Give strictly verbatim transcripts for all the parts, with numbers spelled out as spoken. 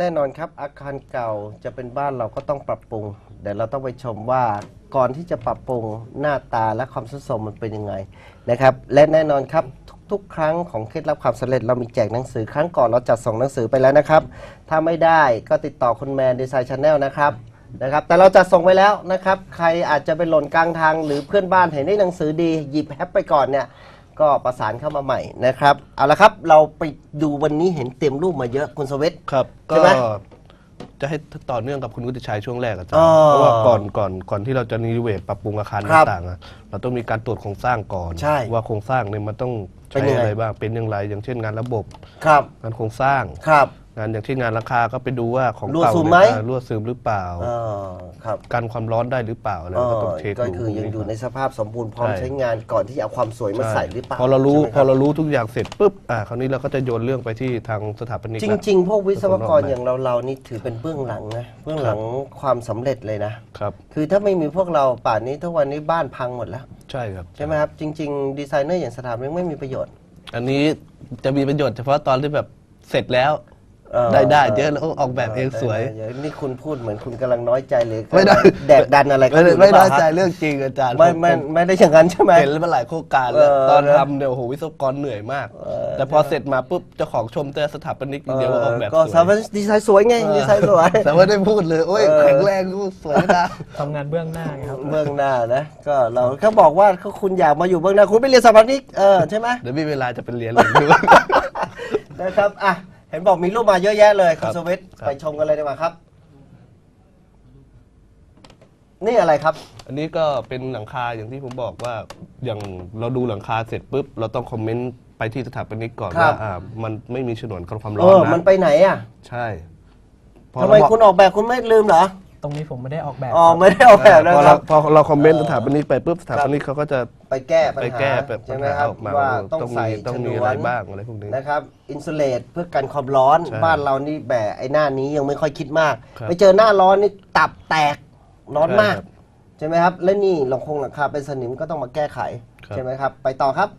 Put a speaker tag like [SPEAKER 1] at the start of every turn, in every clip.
[SPEAKER 1] แน่นอนครับอาคารเก่าจะเป็นบ้านเราก็ต้องปรับปรุงเดี๋ยวเราต้องไปชมว่าก่อนที่จะปรับปรุงหน้าตาและความสุดโทรมมันเป็นยังไงนะครับและแน่นอนครับทุกๆครั้งของเคล็ดลับความสำเร็จเรามีแจกหนังสือครั้งก่อนเราจัดส่งหนังสือไปแล้วนะครับถ้าไม่ได้ก็ติดต่อคุณแมนดีไซน์ชาแนลนะครับนะครับแต่เราจัดส่งไปแล้วนะครับใครอาจจะไปหล่นกลางทางหรือเพื่อนบ้านเห็นได้หนังสือดีหยิบแฮปไปก่อนเนี่ยก็ประสานเข้ามาใหม่นะครับเอาละครับเราไปดูวันนี้เห็นเต็มรูปมาเยอะคุณสวิท
[SPEAKER 2] ครับก็จะให้ต่อเนื่องกับคุณวุฒิชัยช่วงแรกอาจารย์เพราะว่าก่อนก่อนก่อนที่เราจะรีโนเวทปรับปรุงอาคารต่างๆเราต้องมีการตรวจโครงสร้างก่อนว่าโครงสร้างเนี่ยมันต้องใช้อะไรบ้างเป็นอย่างไรอย่างเช่นงานระบบงานโครงสร้างงานอย่างที่งานราคาก็ไปดูว่าของเก่ารั่วซึมหรือเปล่ากันความร้อนได้หรือเปล่าแล้วก็ต้องเช็คดู
[SPEAKER 1] ก็คือยังอยู่ในสภาพสมบูรณ์พร้อมใช้งานก่อนที่จะเอาความสวยมาใส่หรือเปล่า
[SPEAKER 2] พอเรารู้พอเรารู้ทุกอย่างเสร็จปุ๊บอ่าคราวนี้เราก็จะโยนเรื่องไปที่ทางสถาปนิก
[SPEAKER 1] จริงๆพวกวิศวกรอย่างเราเรานี่ถือเป็นเบื้องหลังนะเบื้องหลังความสำเร็จเลยนะครับคือถ้าไม่มีพวกเราป่านนี้ทุกวันนี้บ้านพังหมดแล้ว
[SPEAKER 2] ใช่ครับ
[SPEAKER 1] ใช่ไหมครับจริงๆดีไซเนอร์อย่างสถาปนิกไม่มีประโยชน์
[SPEAKER 2] อันนี้จะมีประโยชน์เฉพาะตอนที่แบบเสร็จแล้วได้ได้เยอะแล้วออกแบบเองสวย
[SPEAKER 1] นี่คุณพูดเหมือนคุณกำลังน้อยใจหรือไม่ได้แดกดันอะไร
[SPEAKER 2] ไม่ไม่น้อยใจเรื่องจริงอาจารย์
[SPEAKER 1] ไม่ไม่ไม่ได้อย่างนั้นใช่ไหม
[SPEAKER 2] เห็นมาหลายโครงการแล้วตอนทำเนี่ยโอ้โหวิศวกรเหนื่อยมากแต่พอเสร็จมาปุ๊บเจ้าของชมแต่สถาปนิกเดียวออกแบบสวย
[SPEAKER 1] ก็สถาปนิกดีไซน์สวยไงดีไซน์สวย
[SPEAKER 2] แต่ว่าได้พูดเลยโอ้ยแข็งแรงสวยนะ
[SPEAKER 3] ทำงานเบื้องหน้าครับ
[SPEAKER 1] เบื้องหน้านะก็เราเขาบอกว่าเขาคุณอยากมาอยู่เบื้องหน้าคุณไปเรียนสถาปนิกเออใช่ไหม
[SPEAKER 2] เดี๋ยวมีเวลาจะไปเรียนเลย
[SPEAKER 1] นะครับอ่ะเห็นบอกมีรูปมาเยอะแยะเลยคุณสวิทย์ไปชมกันเลยดีกว่าครับนี่อะไรครับ
[SPEAKER 2] อันนี้ก็เป็นหลังคาอย่างที่ผมบอกว่าอย่างเราดูหลังคาเสร็จปุ๊บเราต้องคอมเมนต์ไปที่สถาปนิกก่อนว่าอ่ามันไม่มีฉนวนกันความร้อนนะ
[SPEAKER 1] มันไปไหนอ่ะ
[SPEAKER 2] ใช่
[SPEAKER 1] ทำไมคุณออกแบบคุณไม่ลืมเหรอ
[SPEAKER 3] ตรงนี้ผมไม่ได้ออกแบบ
[SPEAKER 1] อ๋อไม่ได้ออกแบบนะครับ
[SPEAKER 2] พอเราคอมเมนต์สถาปนิกไปปุ๊บสถาปนิกเขาก็จะ
[SPEAKER 1] ไปแก้ปัญหา
[SPEAKER 2] ใช่
[SPEAKER 1] ไหมครับว่าต้องใส่
[SPEAKER 2] ต้องมีอะไรบ้างอะไรพวกนี้
[SPEAKER 1] นะครับอินซูเลตเพื่อกันความร้อนบ้านเรานี่แบบไอ้หน้านี้ยังไม่ค่อยคิดมากไปเจอหน้าร้อนนี่ตับแตกร้อนมากใช่ไหมครับและนี่หลังคงหลังคาเป็นสนิมก็ต้องมาแก้ไขใช่ไหมครับไปต่อครับ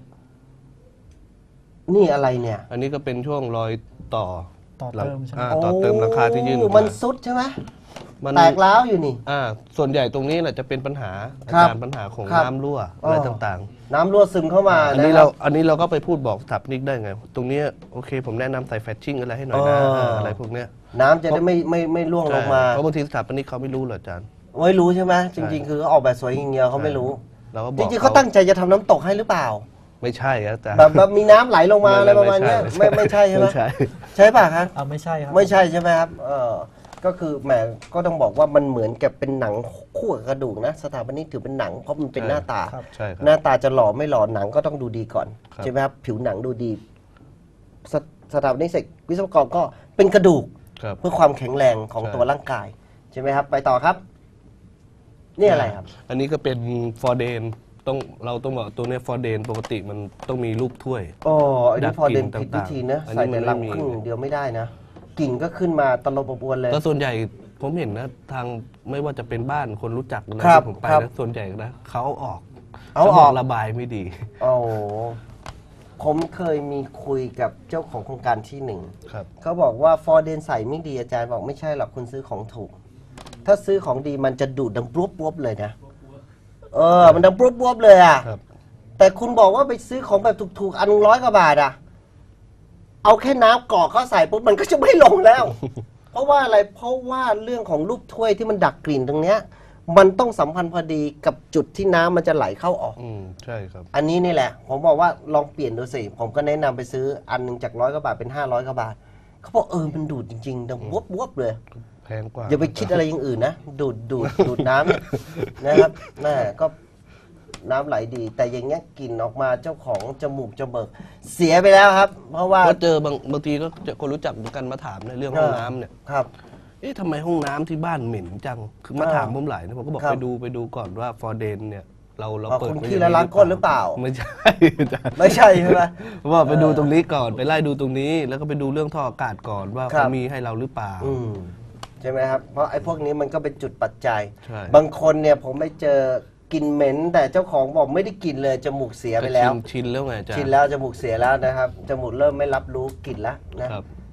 [SPEAKER 1] นี่อะไรเนี่ย
[SPEAKER 2] อันนี้ก็เป็นช่วงรอยต่อ
[SPEAKER 3] ต่อเติมใช่ไหม
[SPEAKER 2] ต่อเติมหลังคาที่ยื่น
[SPEAKER 1] มันซุดใช่ไหมแตกร้าวอยู่นี่
[SPEAKER 2] อ่าส่วนใหญ่ตรงนี้แหละจะเป็นปัญหาการปัญหาของน้ำรั่วอะไรต่าง
[SPEAKER 1] ๆน้ำรั่วซึมเข้ามา
[SPEAKER 2] อันนี้เราอันนี้เราก็ไปพูดบอกสถาปนิกได้ไงตรงนี้โอเคผมแนะนำใส่แฟชชิ่งอะไรให้หน่อยนะอะไรพวกเนี้ย
[SPEAKER 1] น้ำจะได้ไม่ไม่ไม่ร่วงลงมา
[SPEAKER 2] เพราะบางทีสถาปนิกเขาไม่รู้หรอกอาจารย์
[SPEAKER 1] ไม่รู้ใช่ไหมจริงๆคือเขาออกแบบสวยอย่างเดียวเขาไม่รู้จริงๆเขาตั้งใจจะทำน้ำตกให้หรือเปล่า
[SPEAKER 2] ไม่ใช่อาจารย์
[SPEAKER 1] แบบมีน้ำไหลลงมาอะไรประมาณนี้ไม่ไม่ใช่ใช่ไหมใช่ป่ะครับ
[SPEAKER 3] ไม่ใช่ครับ
[SPEAKER 1] ไม่ใช่ใช่ไหมครับเออก็คือแหมก็ต้องบอกว่ามันเหมือนกับเป็นหนังคู่กับกระดูกนะสถาปนิกถือเป็นหนังเพราะมันเป็นหน้าตาหน้าตาจะหล่อไม่หล่อหนังก็ต้องดูดีก่อนใช่ไหมครับผิวหนังดูดีสถาปนิกเสร็จวิศวกรก็เป็นกระดูกเพื่อความแข็งแรงของตัวร่างกายใช่ไหมครับไปต่อครับนี่อะไรครับ
[SPEAKER 2] อันนี้ก็เป็นฟอร์เดนต้องเราต้องบอกตัวนี้ฟอร์เดนปกติมันต้องมีรูปถ้วย
[SPEAKER 1] อ๋ออันนี้ฟอร์เดนผิดวิธีนะใส่ในลำพึ่งเดียวไม่ได้นะกิ่งก็ขึ้นมาตลบอบอวนเลย
[SPEAKER 2] ก็ส่วนใหญ่ผมเห็นนะทางไม่ว่าจะเป็นบ้านคนรู้จักอะไรที่ผมไปนะส่วนใหญ่นะเขาออก
[SPEAKER 1] เอาออก
[SPEAKER 2] ระบายไม่ดี
[SPEAKER 1] โอ้ผมเคยมีคุยกับเจ้าของโครงการที่หนึ่งเขาบอกว่าฟอร์เดนใส่ไม่ดีอาจารย์บอกไม่ใช่หรอกคุณซื้อของถูกถ้าซื้อของดีมันจะดูดดังปุ๊บปุ๊บเลยนะเออมันดังปุ๊บปุ๊บเลยอ่ะแต่คุณบอกว่าไปซื้อของแบบถูกๆอันร้อยกว่าบาทอ่ะเอาแค่น้ำกรอกเข้าใส่ปุ๊บมันก็จะไม่ลงแล้ว เพราะว่าอะไรเพราะว่าเรื่องของรูปถ้วยที่มันดักกลิ่นตรงเนี้ยมันต้องสัมพันธ์พอดีกับจุดที่น้ำมันจะไหลเข้าออก
[SPEAKER 2] อืมใช่ครับ
[SPEAKER 1] อันนี้นี่แหละผมบอกว่าลองเปลี่ยนดูสิผมก็แนะนำไปซื้ออันนึงจากร้อยกว่าบาทเป็นห้าร้อยกว่าบาทเขาบอกเออมันดูดจริงๆดังวบวบเลย
[SPEAKER 2] แพงกว่า
[SPEAKER 1] อย่าไปคิดอะไรอย่างอื่นนะดูดดูดดูดน้ำนะครับแม่ก็น้ำไหลดีแต่อย่างเงี้ยกลิ่นออกมาเจ้าของจมูกจมูกเสียไปแล้วครับเพราะว่า
[SPEAKER 2] ก็เจอบางบางทีก็คนรู้จักกันมาถามในเรื่องห้องน้ำเนี่ย
[SPEAKER 1] ครับ
[SPEAKER 2] เอ๊ะทำไมห้องน้ำที่บ้านเหม็นจังคือมาถามผมหลายนะผมก็บอกไปดูไปดูก่อนว่าฟอร์เดนเนี่ยเราเราเปิด
[SPEAKER 1] คุณขี้แล้วล้างก้นหรือเปล่า
[SPEAKER 2] ไม่ใช่
[SPEAKER 1] ไม่ใช่ใช่ไหม
[SPEAKER 2] ว่าไปดูตรงนี้ก่อนไปไล่ดูตรงนี้แล้วก็ไปดูเรื่องท่ออากาศก่อนว่าเขามีให้เราหรือเปล่า
[SPEAKER 1] ใช่ไหมครับเพราะไอ้พวกนี้มันก็เป็นจุดปัจจัยบางคนเนี่ยผมไปเจอกลิ่นเหม็นแต่เจ้าของบอกไม่ได้กลิ่นเลยจมูกเสียไปแล้ว
[SPEAKER 2] ชินแล้วไงจ๊ะ
[SPEAKER 1] ชินแล้วจมูกเสียแล้วนะครับจมูกเริ่มไม่รับรู้กลิ่นแล้วนะ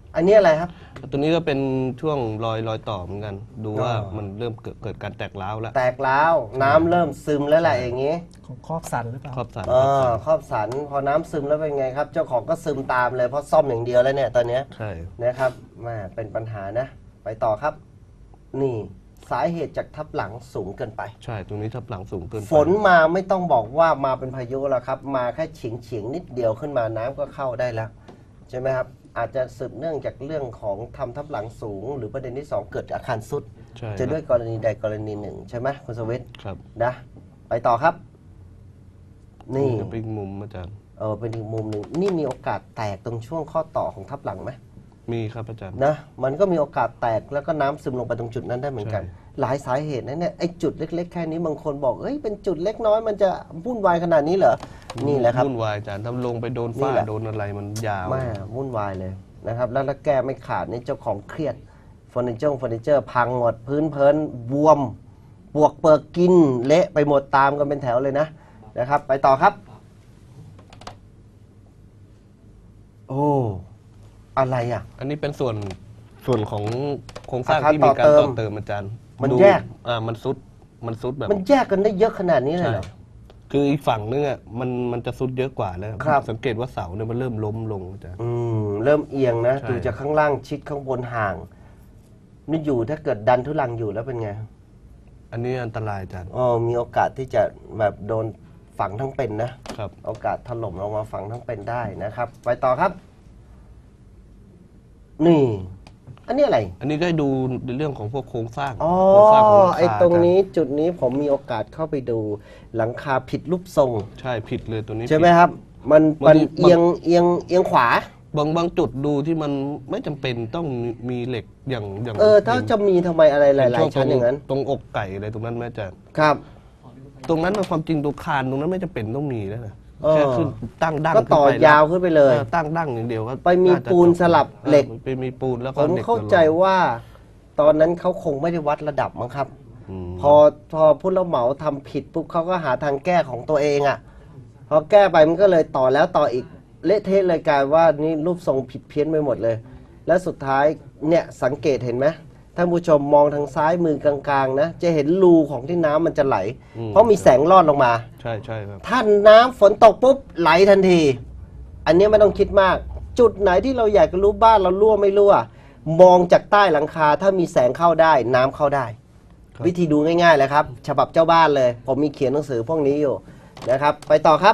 [SPEAKER 1] อันนี้อะไรครับ
[SPEAKER 2] ตัวนี้ก็เป็นช่วงรอยรอยต่อเหมือนกัน ดูว่า
[SPEAKER 1] อ๋อ
[SPEAKER 2] มันเริ่มเกิดเกิดการแตกร้าวแล้ว
[SPEAKER 1] แตกร้าวน้ำเริ่มซึมแล้วแหละอย่างนี้
[SPEAKER 3] ของครอบสันหรือเปล่า
[SPEAKER 2] ครอบสัน
[SPEAKER 1] เออครอบสันพอน้ำซึมแล้วเป็นไงครับ เจ้าของก็ซึมตามเลยเพราะซ่อมอย่างเดียวแล้วเนี่ยตอนเนี้ย
[SPEAKER 2] ใช่
[SPEAKER 1] นะครับแม่เป็นปัญหานะ ไปต่อครับ นี่สาเหตุจากทับหลังสูงเกินไป
[SPEAKER 2] ใช่ตรงนี้ทับหลังสูงเกินไป
[SPEAKER 1] ฝนมาไม่ต้องบอกว่ามาเป็นพายุแล้วครับ มาแค่เฉียงเฉียงๆนิดเดียวขึ้นมาน้ำก็เข้าได้แล้วใช่ไหมครับ อาจจะสืบเนื่องจากเรื่องของทำทับหลังสูง หรือประเด็นที่สองเกิดอาคารสุด
[SPEAKER 2] ใช่
[SPEAKER 1] จะด้วย
[SPEAKER 2] ครับ
[SPEAKER 1] กรณีใดกรณีหนึ่งใช่ไหมคุณสวิทย์
[SPEAKER 2] ครับ
[SPEAKER 1] นะไปต่อครับ นี่
[SPEAKER 2] จะเป็นมุมอาจารย์
[SPEAKER 1] เออเป็นอีกมุมหนึ่งนี่มีโอกาสแตกตรงช่วงข้อต่อของทับหลังไหม
[SPEAKER 2] มีครับอาจารย์
[SPEAKER 1] นะมันก็มีโอกาสแตกแล้วก็น้ำซึมลงไปตรงจุดนั้นได้เหมือนกัน
[SPEAKER 2] ใช่
[SPEAKER 1] หลายสาเหตุนะเนี่ยไอ้จุดเล็ก ๆ แค่นี้บางคนบอกเอ้ยเป็นจุดเล็กน้อยมันจะวุ่นวายขนาดนี้เหรอนี่แหละครับ
[SPEAKER 2] วุ่นวายอาจารย์ถ้าลงไปโดน
[SPEAKER 1] นี่
[SPEAKER 2] ฝ้า
[SPEAKER 1] แหละ
[SPEAKER 2] โดนอะไรมันยาว
[SPEAKER 1] แม่วุ่นวายเลยนะครับแล้วถ้าแก้ไม่ขาดนี่เจ้าของเครียดเฟอร์นิเจอร์เฟอร์นิเจอร์พังหมดพื้นเพลินบวมปวกเปิกกินเละไปหมดตามกันเป็นแถวเลยนะนะครับ ไปต่อครับ โอ้อะไรอ่ะ
[SPEAKER 2] อันนี้เป็นส่วนส่วนของโครงสร้าง
[SPEAKER 1] อาคาร
[SPEAKER 2] ที่มีการ
[SPEAKER 1] ต่อเติม
[SPEAKER 2] ต่อเติมอาจารย์
[SPEAKER 1] มัน
[SPEAKER 2] ดู
[SPEAKER 1] แยก
[SPEAKER 2] อ่ามันซุดมันซุดแบบ
[SPEAKER 1] มันแยกกันได้เยอะขนาดนี้เลย
[SPEAKER 2] ใช่
[SPEAKER 1] เหรอ
[SPEAKER 2] คืออีกฝั่งนึงอ่ะมันมันจะซุดเยอะกว่าแล้ว
[SPEAKER 1] ครับ
[SPEAKER 2] สังเกตว่าเสาเนี่ยมันเริ่มล้มลงอาจารย์
[SPEAKER 1] อืมเริ่มเอียงนะ
[SPEAKER 2] ใช่
[SPEAKER 1] ดูจากข้างล่างชิดข้างบนห่างนี่อยู่ถ้าเกิดดันทุลังอยู่แล้วเป็นไง
[SPEAKER 2] อันนี้อันตรายอาจารย์
[SPEAKER 1] อ๋อมีโอกาสที่จะแบบโดนฝังทั้งเป็นนะครับ โอกาสถล่มลงมาฝังทั้งเป็นได้นะครับ ไปต่อครับ นี่ อันนี้อะไร
[SPEAKER 2] อันนี้ก็ให้ดูในเรื่องของพวกโครงสร้าง
[SPEAKER 1] อ๋อ
[SPEAKER 2] โครงสร้างของหลังคา
[SPEAKER 1] ไอ้ตรงนี้
[SPEAKER 2] อาจา
[SPEAKER 1] จุดนี้ผมมีโอกาสเข้าไปดูหลังคาผิดรูปทรง
[SPEAKER 2] ใช่ผิดเลยตัวนี้
[SPEAKER 1] ใช่ไหม
[SPEAKER 2] ผิด
[SPEAKER 1] ครับ มัน
[SPEAKER 2] บาง
[SPEAKER 1] มัน
[SPEAKER 2] ที
[SPEAKER 1] เอียงเอียงเอียงขวา
[SPEAKER 2] บางบางจุดดูที่มันไม่จำเป็นต้องมีเหล็กอย่างอย่าง
[SPEAKER 1] เออ ถ้าจะมีทำไมอะไรหลาย
[SPEAKER 2] ช่ว
[SPEAKER 1] ๆชั้นอย่างนั้น
[SPEAKER 2] ตรงอกไก่อะไรตรงนั้นแม่อาจารย์
[SPEAKER 1] ครับ
[SPEAKER 2] ตรงนั้นมันความจริงตัวคานตรงนั้นไม่จำเป็นต้องมีแล้วนะ
[SPEAKER 1] เออ
[SPEAKER 2] แค่ขึ้นตั้งดั้ง
[SPEAKER 1] ก็ต่อ
[SPEAKER 2] ขึ้นไปแล้
[SPEAKER 1] ยาวขึ้นไปเลย
[SPEAKER 2] ออตั้งดั้งอย่างเดียวก็
[SPEAKER 1] ไปมี
[SPEAKER 2] น่าจะ
[SPEAKER 1] ปูน
[SPEAKER 2] จบ
[SPEAKER 1] สลับเหล็ก
[SPEAKER 2] ออไปมีปูนแล้ว
[SPEAKER 1] ผ
[SPEAKER 2] ก็
[SPEAKER 1] ม
[SPEAKER 2] หล็ก
[SPEAKER 1] เข้าใจ
[SPEAKER 2] ตลอด
[SPEAKER 1] ว่า ตอนนั้นเขาคงไม่ได้วัดระดับมั้งครับ
[SPEAKER 2] อืม
[SPEAKER 1] พอพอผู้รับเหมาทำผิดปุ๊บเขาก็หาทางแก้ของตัวเองอะ่ะ พอแก้ไปมันก็เลยต่อแล้วต่ออีกเละเทะเลยกลายว่านี่รูปทรงผิดเพี้ยนไปหมดเลย แล้วสุดท้ายเนี่ยสังเกตเห็นไหมท่านผู้ชมมองทางซ้ายมือกลางๆนะจะเห็นรูของที่น้ำมันจะไหล เพราะมีแสงลอดลงมา
[SPEAKER 2] ใช่ใช่ครับ
[SPEAKER 1] ถ้าน้ำฝนตกปุ๊บไหลทันที อันนี้ไม่ต้องคิดมาก จุดไหนที่เราอยากจะรู้บ้านเรารั่วไม่รั่ว มองจากใต้หลังคาถ้ามีแสงเข้าได้น้ำเข้าได้
[SPEAKER 2] ครับ
[SPEAKER 1] วิธีดูง่ายๆเลยครับ ฉบับเจ้าบ้านเลย ผมมีเขียนหนังสือพวกนี้อยู่นะครับ ไปต่อครับ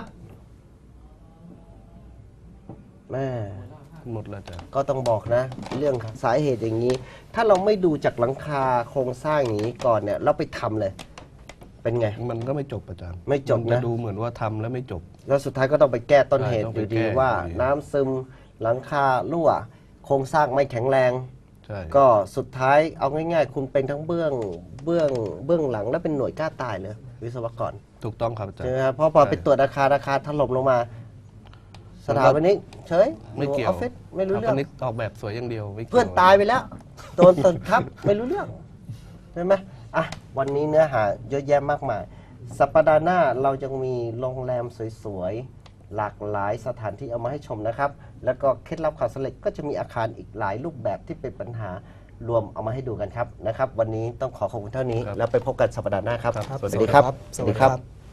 [SPEAKER 1] แม่
[SPEAKER 2] หมดแล้วอาจารย์
[SPEAKER 1] ก็ต้องบอกนะ เรื่องสาเหตุอย่างนี้ ถ้าเราไม่ดูจากหลังคาโครงสร้างอย่างนี้ก่อนเนี่ยเราไปทำเลย เป็นไง
[SPEAKER 2] มันก็ไม่จบอาจารย์
[SPEAKER 1] ไม่จบนะ
[SPEAKER 2] มันจะดูเหมือนว่าทำแล้วไม่จบ
[SPEAKER 1] แล้วสุดท้ายก็ต้องไปแก้ต้นเหตุ
[SPEAKER 2] ใช่ต้อง
[SPEAKER 1] อ
[SPEAKER 2] ไป
[SPEAKER 1] ยู่ดี
[SPEAKER 2] แก้
[SPEAKER 1] ว่า
[SPEAKER 2] อยู่ดี
[SPEAKER 1] น้ำซึมหลังคารั่ว โครงสร้างไม่แข็งแรง
[SPEAKER 2] ใช่
[SPEAKER 1] ก็สุดท้ายเอาง่ายๆ คุณเป็นทั้งเบื้องเบื้องเบื้องหลังและเป็นหน่วยกล้าตายเลย วิศวกร
[SPEAKER 2] ถูกต้องครับอาจาร
[SPEAKER 1] ใช่
[SPEAKER 2] ย์
[SPEAKER 1] ไหมครับเพราะพอ
[SPEAKER 2] ใช่
[SPEAKER 1] ไปตรวจอาคารอาคารถล่มลงมา สถาปนิกเฉย
[SPEAKER 2] ไม่เกี่ยว
[SPEAKER 1] ออฟฟิศไม่รู้
[SPEAKER 2] ส
[SPEAKER 1] เรื่
[SPEAKER 2] ถา
[SPEAKER 1] อง
[SPEAKER 2] ปนิกออกแบบสวยอย่างเดียวไม่กี่ว
[SPEAKER 1] เพื่อนตายไปแล้วโดนตึกทับไม่รู้เรื่องใช่ไหมอ่ะวันนี้เนื้อหาเยอะแยะมากมาย สัปดาห์หน้าเราจะมีโรงแรมสวยๆ หลากหลายสถานที่เอามาให้ชมนะครับ แล้วก็เคล็ดลับความสำเร็จก็จะมีอาคารอีกหลายรูปแบบที่เป็นปัญหารวมเอามาให้ดูกันครับนะครับ วันนี้ต้องขอขอบคุณเท่านี้ แล้วไปพบกันสัปดาห์หน้าครับ
[SPEAKER 2] ครับ
[SPEAKER 1] สวัสดีครับ
[SPEAKER 3] สวัสดีครับ